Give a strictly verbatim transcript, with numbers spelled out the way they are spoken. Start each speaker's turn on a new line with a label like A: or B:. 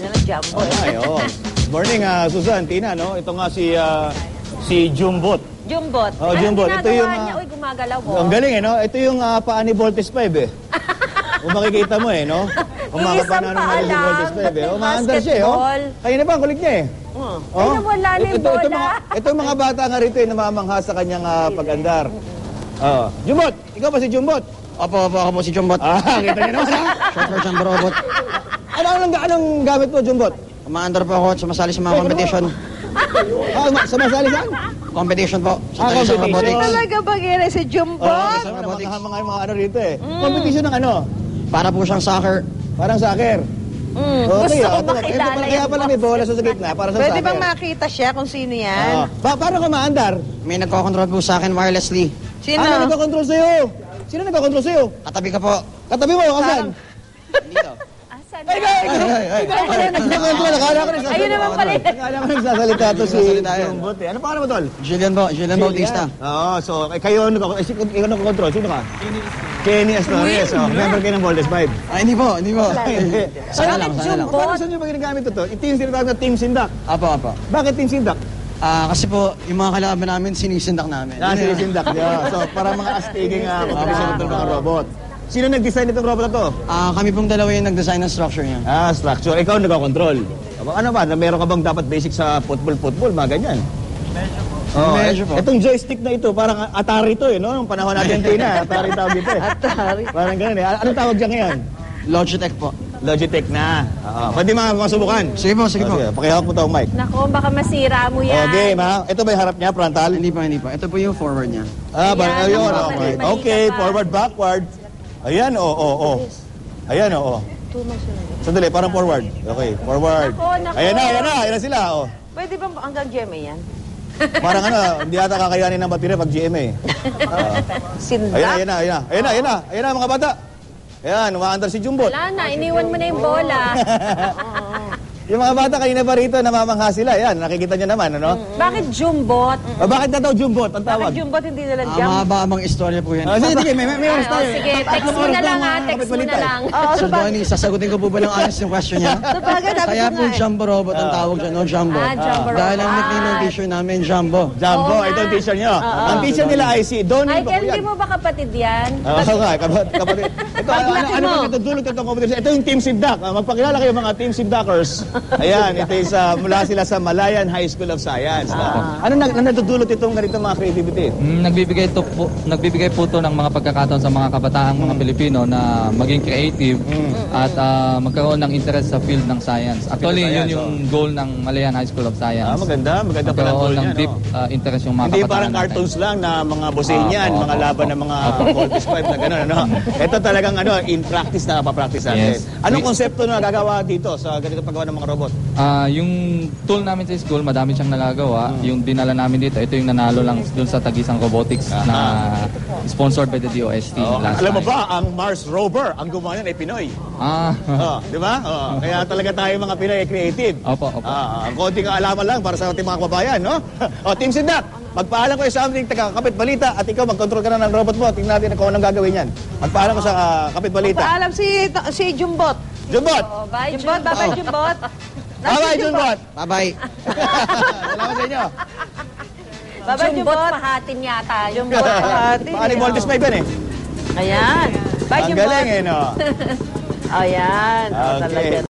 A: na lang Jumbo.
B: Okay, oh. Morning, uh, Susan, Tina, no? Ito nga si uh, si Jumbot.
A: Jumbot.
B: Oh,
A: Ano
B: Jumbot. Ito yung,
A: niya?
B: uh,
A: Uy, gumagalaw mo.
B: Ang galing, eh, no? Ito yung uh, paa ni Voltes five, eh. Kung makikita mo, eh, no?
A: Iisang paa
B: Si Voltes
A: lang.
B: five, eh. Umaandar siya, eh, oh. Kaya na ba, ang kulit niya, eh.
A: Oh.
B: Oh.
A: Ay, nawala na yung
B: ito, ito,
A: bola.
B: mga, ito yung mga bata nga rito, eh, namamangha sa kanyang uh, pag-andar. Oh. Jumbot! Ikaw ba si Jumbot?
C: Opo, opo, ako po si Jumbot.
B: Ah, kita niyo naman, ha?
C: Short version robot.
B: Ano, anong, anong gamit mo, Jumbot?
C: Umaandar po ako at sumasali sa mga competition.
B: Ah, sumasali saan?
C: Competition po.
B: Ah,
C: Sa sa
B: competition.
C: robotics.
A: Talaga ba gina si Jumbot?
B: Oh, kasama ng mga, mga, mga ano rito, eh. Competition ng ano?
C: Para po siyang soccer.
B: Parang soccer.
A: Mm,
B: Okay,
A: gusto
B: ah.
A: ko
B: Ito,
A: makilala
B: ito, Kaya
A: yung
B: pala may bola sa gitna, para sa
D: Pwede
B: soccer.
D: bang makita siya kung sino yan?
B: Ah, ba, paano ka maandar?
C: May nagko-control po sa akin wirelessly.
D: Sino?
B: Ano nagko-control sa'yo? Sino nagko-control sa'yo?
C: Katabi ka po.
B: Katabi mo, kasan?
C: Dito.
A: Asan
B: Ay, ay, ay, ay, ay, ay, nagko-control. Akala ko nagsasalita.
A: Ayun naman pala.
B: Akala ko nagsasalita to si
C: Nagsasalita yan.
B: Jumbot, eh. Ano pangalan mo, tol?
C: Julian po, Julian Bautista.
B: Oo, so, eh, kayo, nagko- eh, si- ikaw nagko-control. Sino ka? Kenny Astores. Oh, member kayo ng Voltes five.
C: Ay, hindi po, hindi po.
B: Hindi.
C: Sana lang, sana lang.
B: Paano saan nyo ba ginagamit ito? Ito yung sinatawag na Team Sindak.
C: Apo, apo.
B: Bakit Team Sindak?
C: Ah, kasi po, yung mga kalaban namin, sinisindak namin.
B: Ah, si Sindak. Yeah. So, para mga astiging uh, mga ng mga robot. Sino nag-design itong robot na to?
C: Ah, kami pong dalawa yung nag-design ng structure niya.
B: Ah, structure. Ikaw nagko-control. Ano ba? Meron ka bang dapat basic sa football-football? Mga ganyan. Medyo po. Oh,
C: Medyo po.
B: Itong joystick na ito, parang Atari to eh, no? Nung panahon natin, Tina, Atari tawag ito eh.
D: Atari.
B: Parang ganun eh. Anong tawag dyan ngayon?
C: Logitech po.
B: Logitech na. Oo. Pwede mga masubukan.
C: Sige po, sige po.
B: Okay, pakihawak mo to, Mike.
A: Nako, baka masira mo yan.
B: Oh, game ha. Ito ba yung harap niya, frontal?
C: Hindi po, hindi po. Ito po yung forward niya.
B: Ah, ba,
A: Ayan,
B: ayun,
A: naku,
B: okay.
A: mali-mali
B: Okay,
A: ka pa.
B: forward, backward. Ayan, oo, oh, oo, oh, oh. Ayan, oo. Oh. Sandali, parang forward. Okay, forward.
A: Nako, nako.
B: Ayan na, ayan na, ayan na sila, oh.
D: Pwede bang hanggang G M A yan?
B: Parang ano, hindi ata kakayanin ng baterya pag G M A. Ah.
D: Sindak?
B: Ayan na, ayan na, ayan na, ayan na, ayan na, ayan na, mga bata. Ayan, umaandar si Jumbot.
A: Wala na, iniwan mo na yung bola.
B: Yung mga bata kanina pa rito, namamangha sila. Ayan, nakikita nyo naman, ano?
A: Bakit Jumbot?
B: Ah, bakit na daw Jumbot ang
D: Bakit
B: tawag?
D: Jumbot hindi na lang
C: Ah,
D: Jumbo?
C: mahaba-abang istorya po yan.
B: Ah, sige, sige, may, may, may
A: Ay,
B: oras
A: oh,
B: tayo.
A: sige,
B: Tatlong
A: text mo
B: oras
A: na lang
B: mga
A: ha, text mo na
B: kapitbalita eh.
A: lang.
D: Oo,
C: So,
D: so ba-
C: Donnie, sasagutin ko po ba ng honest yung question niya?
D: so bagay, dapat
C: Kaya
D: yun
C: po
D: nga eh.
C: Jumbo Robot ang tawag dyan, no Jumbo.
A: Ah, Jumbo
C: Dahil ang
A: Robot.
C: nickname ng t-shirt namin, Jumbo.
B: Jumbo,
A: Oo
B: ito ang
A: nga.
B: teacher nyo. Ang teacher nila ay si Donnie
A: Ay, Ken,
B: Bakuyan.
A: di mo ba kapatid yan?
B: Oo nga, kapatid. kapatid. Ito, ano, ano, ano
A: mo.
B: ba ito? Dulot itong competition. Ito yung Team Sindak. Ah, magpakilala kayo mga Team Sindakers. Ayan, ito is uh, mula sila sa Malayan High School of Science. Ah. Ano nag natutulot itong ganito mga creativity?
E: Mm, nagbibigay to po, nagbibigay po to ng mga pagkakataon sa mga kabataang mga Pilipino na maging creative at ah, magkaroon ng interest sa field ng science. Actually,
B: Field of
E: yun
B: science,
E: yung goal ng Malayan High School of Science.
B: Ah, maganda. Maganda pala
E: Magkaroon
B: goal
E: ng
B: niya,
E: deep
B: no?
E: ah, interest yung mga
B: Hindi
E: kabataan
B: parang
E: natin.
B: cartoons lang na mga Bosenian,
E: Opo,
B: mga
E: opo,
B: laban
E: opo.
B: ng mga
E: Opo.
B: Voltes five na gano'n. Ano? Ito talagang ano, in practice na papractice natin.
E: Yes.
B: Anong
E: We-
B: konsepto na gagawa dito sa ganito paggawa ng mga robot?
E: Ah, yung tool namin sa school, madami siyang nalagawa. Yung dinala namin dito, ito yung nanalo lang dun sa Tagisang Robotics na sponsored by the D O S T
B: Oh,
E: last
B: alam mo
E: time.
B: ba, ang Mars rover, ang gumawa niyan ay Pinoy.
E: Ah,
B: Oh, di ba? Oh, kaya talaga tayo mga Pinoy ay creative.
E: opo, opo.
B: Ah, ang konting kaalaman lang para sa ating mga kababayan, no? O, Team Sindak, magpaalam ko sa aming taga-kapit balita at ikaw mag-control ka na ng robot mo. Tingnan natin kung anong gagawin yan. Magpaalam ko sa uh, kapit balita.
D: Paalam si, si Jumbot.
B: Jumbot!
A: Oh, bye,
D: Jumbot,
A: Jumbot.
D: bye Jumbot.
B: Bye-bye, Jumbot!
C: Bye-bye.
B: Salamat sa inyo.
D: Bye-bye,
A: Jumbot,
D: Jumbot.
A: pahatin yata.
D: Jumbot, pahati.
B: Baka ni Voltes five yan eh.
D: Ayan. Bye,
B: Ang
D: Jumbot.
B: galing eh, no?
D: Ayan. Oh,
B: Okay.
D: talaga.